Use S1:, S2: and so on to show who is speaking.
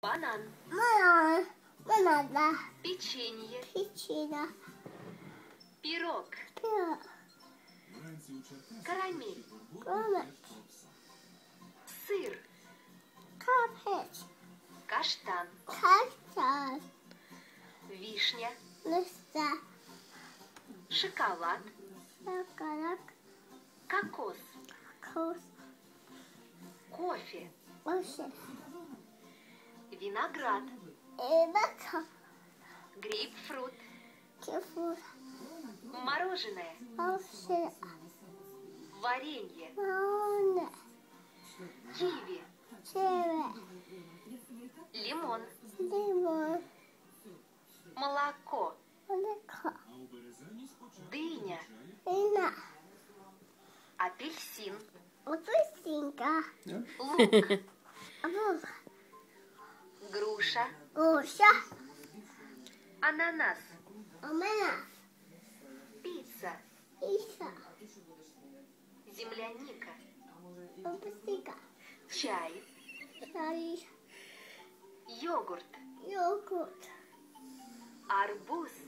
S1: Банан.
S2: Банан.
S1: Печенье.
S2: Печенье.
S1: Пирог.
S2: Пирог.
S1: Карамель.
S2: Карамель.
S1: Сыр.
S2: Капец.
S1: Каштан.
S2: Каштан.
S1: Вишня.
S2: Листа.
S1: Шоколад.
S2: Шоколад.
S1: Кокос.
S2: Кокос.
S1: Кофе.
S2: Кофе.
S1: Виноград.
S2: Бака.
S1: Грейпфрут.
S2: Кефир.
S1: Мороженое.
S2: Овсе.
S1: Варенье.
S2: Малоне.
S1: Киви.
S2: Чере.
S1: Лимон.
S2: Лимон.
S1: Молоко.
S2: Молоко.
S1: Дыня.
S2: Вина.
S1: Апельсин.
S2: Апельсинка.
S1: Лук.
S2: Лук.
S1: Груша.
S2: Груша.
S1: Ананас.
S2: Ананас.
S1: Пицца.
S2: Пицца.
S1: Земляника.
S2: Апельсинка.
S1: Чай.
S2: Чай.
S1: Йогурт.
S2: Йогурт.
S1: Арбуз.